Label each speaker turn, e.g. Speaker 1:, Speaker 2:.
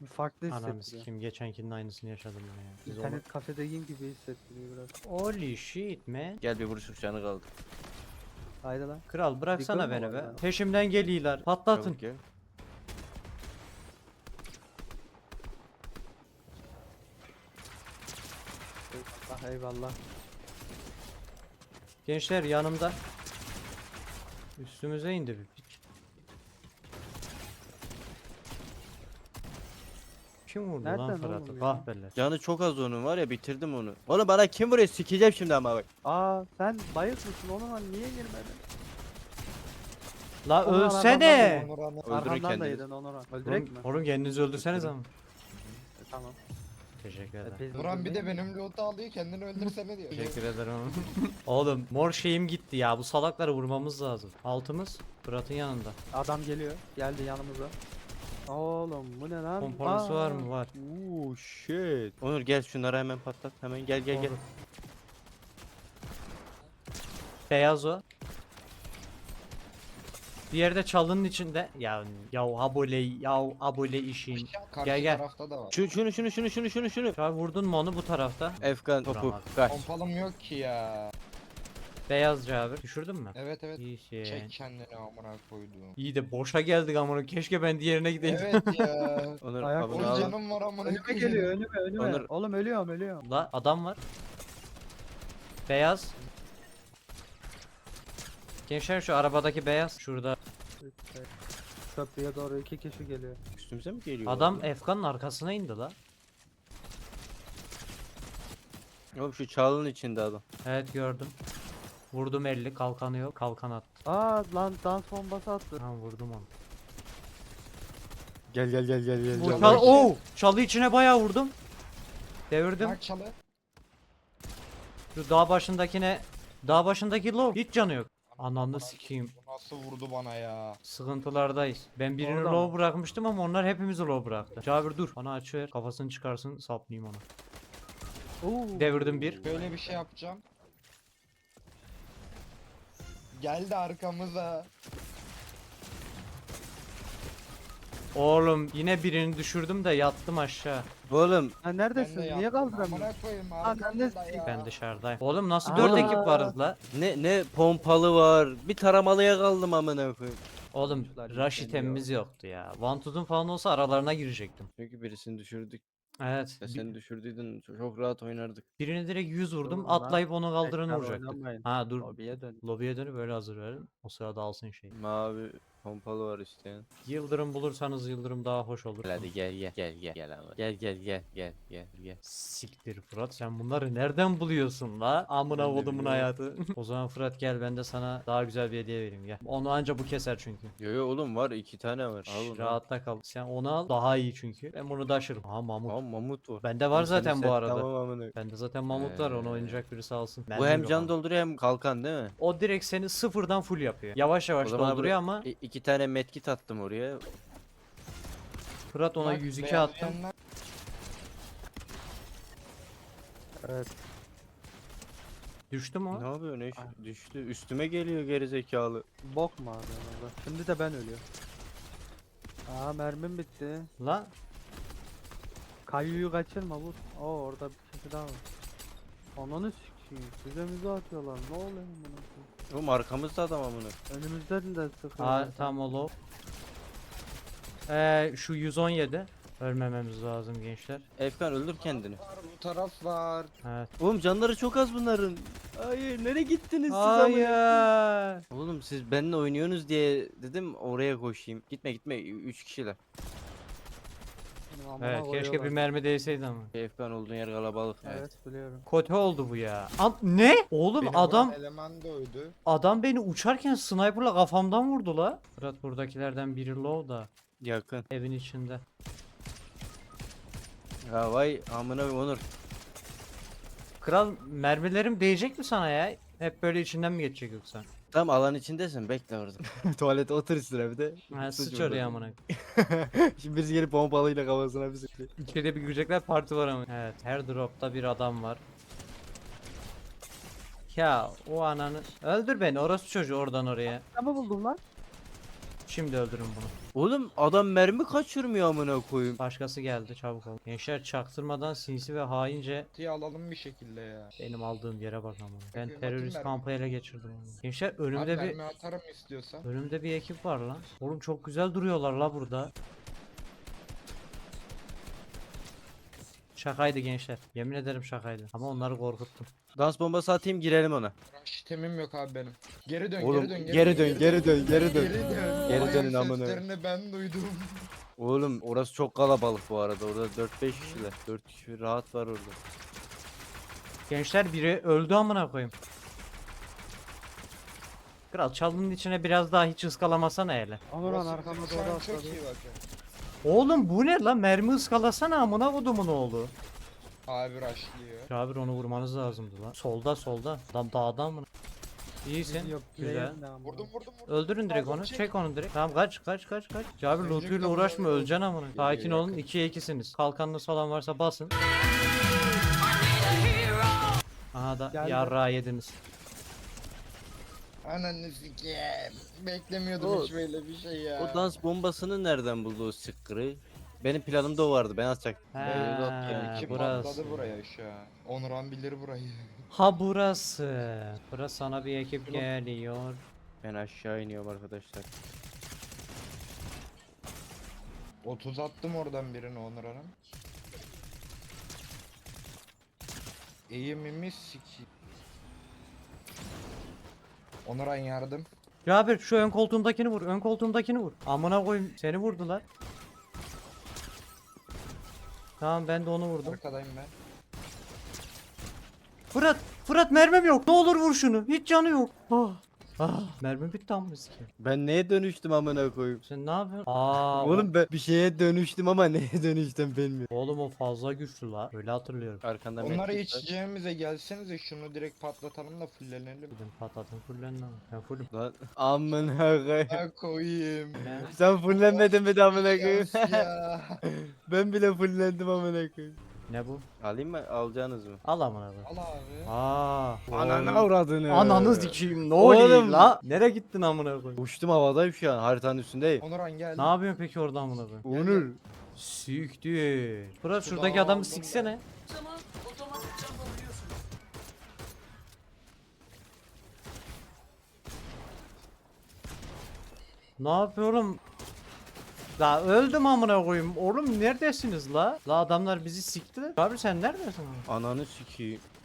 Speaker 1: Bir farklı
Speaker 2: Ananı
Speaker 1: hissettiriyor.
Speaker 2: sikeyim, geçenkinin aynısını yaşadım yine ya. Biz
Speaker 1: İnternet kafedeyim gibi hissettiriyor biraz.
Speaker 2: Holy shit man.
Speaker 3: Gel bir vuruş canı kaldı.
Speaker 1: Haydi lan.
Speaker 2: Kral bıraksana
Speaker 1: Diggle mı
Speaker 2: beni
Speaker 1: var
Speaker 2: be.
Speaker 1: ya?
Speaker 2: Peşimden geliyorlar. Patlatın.
Speaker 3: Çabuk gel.
Speaker 1: Eyvallah eyvallah.
Speaker 2: Gençler yanımda. Üstümüze indi bir piç. Kim vurdu lan
Speaker 1: Nereden
Speaker 2: Fırat'ı?
Speaker 1: oğlum ya?
Speaker 2: Kahpeler.
Speaker 3: Canı çok az onun var ya, bitirdim onu. Oğlum bana kim vuruyor, sikeceğim şimdi ama bak.
Speaker 1: Aa sen bayık mısın ona niye girmedin?
Speaker 2: La
Speaker 1: Onur
Speaker 2: ölsene.
Speaker 3: Öldürün
Speaker 1: Arkamdan da
Speaker 3: kendini.
Speaker 1: yedin Onur'a. Öldürek mi?
Speaker 2: Oğlum kendinizi öldürseniz ama.
Speaker 1: Tamam.
Speaker 2: Teşekkür ederim.
Speaker 1: Biz
Speaker 4: Buran bir de
Speaker 1: öldürmeyin.
Speaker 4: benim loot'u alıyor, kendini öldürsene diyor.
Speaker 2: Teşekkür ederim. Oğlum mor şeyim gitti ya. Bu salakları vurmamız lazım. Altımız Fırat'ın yanında.
Speaker 1: Adam geliyor. Geldi yanımıza. Oğlum bu ne lan?
Speaker 2: Komponisi var mı? Var.
Speaker 3: Uuu shit. Onur gel şunları hemen patlat. Hemen gel gel gel.
Speaker 2: Olur. Beyaz o. Bir yerde çalının içinde. Ya abole işin.
Speaker 4: Karşı
Speaker 2: Gel, gel.
Speaker 4: tarafta da var.
Speaker 3: Şunu.
Speaker 2: Ya vurdun mu onu bu tarafta?
Speaker 3: Efkan topu
Speaker 2: Vuramadım.
Speaker 3: kaç.
Speaker 4: Pompalım yok ki ya.
Speaker 2: Beyazcı abi. Düşürdün mü?
Speaker 4: Evet evet.
Speaker 2: İyi
Speaker 4: Çek kendini amına koyduğum.
Speaker 2: İyi de boşa geldik amına. Keşke ben diğerine gideydim.
Speaker 4: Evet ya.
Speaker 3: Onur
Speaker 1: Ayak
Speaker 3: abone
Speaker 4: Oğlum
Speaker 3: al.
Speaker 4: canım var amına
Speaker 1: Önüme
Speaker 4: koyayım.
Speaker 1: geliyor önüme.
Speaker 3: Onur-
Speaker 1: Oğlum ölüyorum.
Speaker 2: La adam var. Beyaz. Gençler şu arabadaki beyaz. Şurada.
Speaker 1: Köprüye doğru 2 kişi geliyor.
Speaker 3: Üstümüze mi geliyor?
Speaker 2: Adam Efkan'ın arkasına indi la.
Speaker 3: Oğlum şu çalının içinde adam.
Speaker 2: Evet gördüm. Vurdum 50 kalkanı yok. Kalkan attı.
Speaker 1: Aa lan dans bombası attı.
Speaker 2: Ha vurdum onu.
Speaker 3: Gel.
Speaker 2: Bu
Speaker 4: Çalı
Speaker 2: çal
Speaker 4: içi.
Speaker 2: çalı içine bayağı vurdum. Devirdim.
Speaker 4: Bak çalı.
Speaker 2: Şu dağ başındaki low hiç canı yok. Ananı sikeyim.
Speaker 4: Bu nasıl vurdu bana ya?
Speaker 2: Sıkıntılardayız. Ben birini
Speaker 1: Orada
Speaker 2: low
Speaker 1: mı?
Speaker 2: bırakmıştım ama onlar hepimizi low bıraktı. Cabir dur. Bana aç ver. Kafasını çıkarsın saplayayım onu.
Speaker 1: Oo.
Speaker 2: Devirdim bir.
Speaker 4: Böyle bir şey yapacağım. Geldi arkamıza.
Speaker 2: Oğlum yine birini düşürdüm de yattım aşağı.
Speaker 3: Oğlum
Speaker 4: Ben
Speaker 1: Ha
Speaker 4: de
Speaker 1: neredesin? Niye
Speaker 4: yaptım.
Speaker 1: kaldıramıyorsun?
Speaker 4: Amına koyayım
Speaker 1: Lan
Speaker 4: arkamda
Speaker 1: ben de-
Speaker 4: ya.
Speaker 2: Ben dışarıdayım. Oğlum nasıl
Speaker 1: Aa.
Speaker 2: 4 ekip varız la?
Speaker 3: ne pompalı var. Bir taramalıya kaldım amına koyayım.
Speaker 2: Oğlum
Speaker 1: Oyuncular
Speaker 2: rush
Speaker 1: yükleniyor.
Speaker 2: itemimiz yoktu ya. Vantuz'un falan olsa aralarına girecektim.
Speaker 3: Çünkü birisini düşürdük.
Speaker 2: Evet.
Speaker 3: Ya sen düşürdüydün, çok rahat oynardık.
Speaker 2: Birini direkt 100 vurdum.
Speaker 1: Dur lan.
Speaker 2: Atlayıp onu kaldıranı
Speaker 1: Tekrar
Speaker 2: vuracaktım.
Speaker 1: oynamayın.
Speaker 2: Ha dur.
Speaker 1: Lobiye dön.
Speaker 2: Lobiye dönüp böyle hazır verin. O sırada alsın şey.
Speaker 3: Mavi pompalı var isteyen.
Speaker 2: Yıldırım bulursanız yıldırım daha hoş olur.
Speaker 3: Gel hadi gel ama. Gel.
Speaker 2: Siktir Fırat, sen bunları nereden buluyorsun la? Amına
Speaker 3: Ben de
Speaker 2: kodumun
Speaker 3: biliyorum.
Speaker 2: hayatı. O zaman Fırat gel, ben de sana daha güzel bir hediye vereyim gel. Onu anca bu keser çünkü.
Speaker 3: Yo oğlum var, 2 tane var. Al
Speaker 2: Şş,
Speaker 3: onu.
Speaker 2: rahatta kal. Sen onu al, daha iyi çünkü. Ben bunu taşırım. Ha Mamut.
Speaker 3: Aa mamut var.
Speaker 2: Bende var
Speaker 3: Oğlum senin
Speaker 2: zaten bu
Speaker 3: set
Speaker 2: arada.
Speaker 3: Tamam amına.
Speaker 2: Bende zaten Mamut var, onu oynayacak birisi alsın.
Speaker 3: Bu
Speaker 2: Bende
Speaker 3: hem
Speaker 2: yok
Speaker 3: can
Speaker 2: ama.
Speaker 3: dolduruyor hem kalkan değil mi?
Speaker 2: O direkt seni sıfırdan full yapıyor. Yavaş
Speaker 3: O
Speaker 2: yavaş
Speaker 3: zaman
Speaker 2: dolduruyor ama
Speaker 3: 2 tane medkit attım oraya.
Speaker 2: Fırat ona
Speaker 4: Bak,
Speaker 2: 102
Speaker 4: beyaz
Speaker 2: attım.
Speaker 4: yanlar-
Speaker 1: Evet.
Speaker 2: Düştü mü o?
Speaker 3: Ne yapıyor ne düştü. Üstüme geliyor geri zekalı.
Speaker 1: Bok mu abi orada? Şimdi de ben ölüyorum. Aa mermim bitti.
Speaker 2: La
Speaker 1: Kayyuyu kaçırma vur. Oo orada bir kişi daha var. Ananı sikeyim. Bize müze atıyorlar. Ne oluyor buna?
Speaker 3: Oğlum arkamızda adam amına.
Speaker 1: Önümüzden de sıkıyor.
Speaker 2: Aa, tamam o low. Şu 117. Ölmememiz lazım gençler.
Speaker 3: Efkan öldür kendini.
Speaker 4: Var, bu taraf var.
Speaker 2: Evet.
Speaker 3: Oğlum canları çok az bunların. Hayır nereye gittiniz siz amına?
Speaker 2: Hayır.
Speaker 3: Oğlum siz benimle oynuyorsunuz diye dedim oraya koşayım. Gitme 3 kişiler.
Speaker 1: Benim amına
Speaker 2: Evet, keşke bir
Speaker 1: koyuyorlar.
Speaker 2: mermi değseydi ama.
Speaker 3: Efkan olduğun yer kalabalık.
Speaker 1: Evet biliyorum.
Speaker 2: Kötü oldu bu ya. Ne? Oğlum
Speaker 4: Beni
Speaker 2: adam
Speaker 4: vuran eleman da öldü.
Speaker 2: beni uçarken sniperla kafamdan vurdu la. Fırat buradakilerden biri low da
Speaker 3: Yakın.
Speaker 2: evin içinde.
Speaker 3: Ya vay amına Onur.
Speaker 2: Kral, mermilerim değecek mi sana ya? Hep böyle içinden mi geçecek yoksa?
Speaker 3: Tam alan içindesin, bekle orada. Tuvalete otur üstüne bir de.
Speaker 2: Ha,
Speaker 3: Sıç
Speaker 2: sıç
Speaker 3: orada.
Speaker 2: oraya amına.
Speaker 3: Şimdi birisi gelip pompalıyla kafasına bir sıkıyor.
Speaker 2: İçeride bir girecekler, parti var ama. Evet, her dropta bir adam var. Ya o ananı öldür beni orospu çocuğu oradan oraya.
Speaker 1: Ama buldum lan.
Speaker 2: Şimdi öldürün bunu.
Speaker 3: Oğlum adam mermi kaçırmıyor amına koyayım.
Speaker 2: Başkası geldi, çabuk ol. Gençler çaktırmadan sinsi ve haince
Speaker 4: Diye alalım bir şekilde ya.
Speaker 2: benim aldığım yere bak ama. Ben
Speaker 4: Bakayım,
Speaker 2: terörist
Speaker 4: bakayım
Speaker 2: kampı ele geçirdim onu. Gençler
Speaker 4: Abi
Speaker 2: önümde bir
Speaker 4: mermi atarım istiyorsan.
Speaker 2: önümde bir ekip var lan. Oğlum çok güzel duruyorlar la burada. Şakaydı gençler. Yemin ederim şakaydı. Ama onları korkuttum.
Speaker 3: Dans bombası atayım girelim ona.
Speaker 4: Rush temim yok abi benim. Geri dön,
Speaker 3: Oğlum
Speaker 4: geri dön,
Speaker 3: geri dön geri dön geri dön.
Speaker 4: Geri dön.
Speaker 3: Geri
Speaker 4: Ayak
Speaker 3: dönün amına.
Speaker 4: seslerini ben duydum.
Speaker 3: Oğlum orası çok kalabalık bu arada. Orada 4-5 kişiler. 4 kişi rahat var orada.
Speaker 2: Gençler biri öldü amına koyayım. Kral çalının içine biraz daha hiç ıskalamasana hele.
Speaker 1: Onuran
Speaker 4: Burası
Speaker 1: arkama
Speaker 4: bizim
Speaker 1: doğru
Speaker 4: şu an çok
Speaker 1: atladı.
Speaker 4: iyi bakın.
Speaker 2: Oğlum bu ne lan? Mermi ıskalasana amına kodumun oğlu.
Speaker 4: Abi rushlıyor.
Speaker 2: Cabir onu vurmanız lazımdı lan. Solda solda. Adam dağdan mı? İyisin.
Speaker 1: Yok,
Speaker 2: Güzel.
Speaker 1: play'in de ama.
Speaker 4: Vurdum.
Speaker 2: Öldürün direkt
Speaker 4: Pardon,
Speaker 2: onu.
Speaker 4: çek.
Speaker 2: Çek onu direkt. Tamam kaç. Cabir
Speaker 4: Ölecek
Speaker 2: lootuyla
Speaker 4: lan
Speaker 2: uğraşma,
Speaker 4: bu.
Speaker 2: öleceksin amına. Sakin
Speaker 4: Geliyor,
Speaker 2: olun.
Speaker 4: yakın.
Speaker 2: 2'ye 2'siniz. Kalkanınız falan varsa basın. Aha da
Speaker 1: Geldi.
Speaker 2: yarrağı yediniz.
Speaker 4: Ananı sikeyim. Beklemiyordum
Speaker 3: O-
Speaker 4: hiç böyle bir şey ya.
Speaker 3: O dans bombasını nereden buldu o sıkkırı? Benim planımda o vardı. Ben atacaktım.
Speaker 2: He,
Speaker 4: Yani kim
Speaker 2: burası.
Speaker 4: patladı buraya şu an. Onuran bilir burayı.
Speaker 2: Ha burası. Burası sana bir ekip geliyor.
Speaker 3: Ben aşağı iniyorum arkadaşlar.
Speaker 4: 30 attım oradan birini Onuran'ın. Eğimimi sikeyim. Onuran yardım.
Speaker 2: Cabir şu ön koltuğumdakini vur. Ön koltuğumdakini vur. Amına koyayım seni vurdular. Tamam ben de onu vurdum.
Speaker 4: Arkadayım ben.
Speaker 2: Fırat mermim yok. Ne olur vur şunu. Hiç canı yok. Mermim bitti amına sikeyim.
Speaker 3: Ben neye dönüştüm amına koyayım?
Speaker 2: Sen ne yapıyorsun? Aa,
Speaker 3: Oğlum ben bir şeye dönüştüm ama neye dönüştüm bilmiyorum.
Speaker 2: oğlum o fazla güçlü la. Öyle hatırlıyorum.
Speaker 3: Arkandan
Speaker 4: Onları
Speaker 3: medkit var.
Speaker 4: içeceğimize gelsenize şunu direkt patlatalım da fullenelim.
Speaker 2: Dedim patlatın fullenin ama. Ben fullüm.
Speaker 3: Lan amına koyayım.
Speaker 4: Ha koyayım.
Speaker 2: Ne?
Speaker 3: Sen fullenmedin mi de amına koyayım?
Speaker 4: Yas ya.
Speaker 3: Ben bile fullendim amına koyayım.
Speaker 2: Ne bu?
Speaker 3: Alayım mı? Alacaksınız mı?
Speaker 2: Al amına koyayım.
Speaker 4: Al abi.
Speaker 2: Aa.
Speaker 3: avradını.
Speaker 2: Ananı sikeyim. Ne
Speaker 3: Oğlum.
Speaker 2: oluyor la? Nereye gittin amına koyayım?
Speaker 3: Uçtum havadayım şu an haritanın üstündeyim.
Speaker 4: Onuran gel.
Speaker 2: Ne yapıyorsun peki orada amına koyayım?
Speaker 3: Onur.
Speaker 2: Siktir. Fırat şuradaki
Speaker 4: Şurada
Speaker 2: adamı
Speaker 4: aldım
Speaker 2: siksene. Ne yapıyorum? La öldüm amına koyayım. Oğlum neredesiniz la? La adamlar bizi sikti. Abi sen neredesin?
Speaker 3: Ananı sikeyim.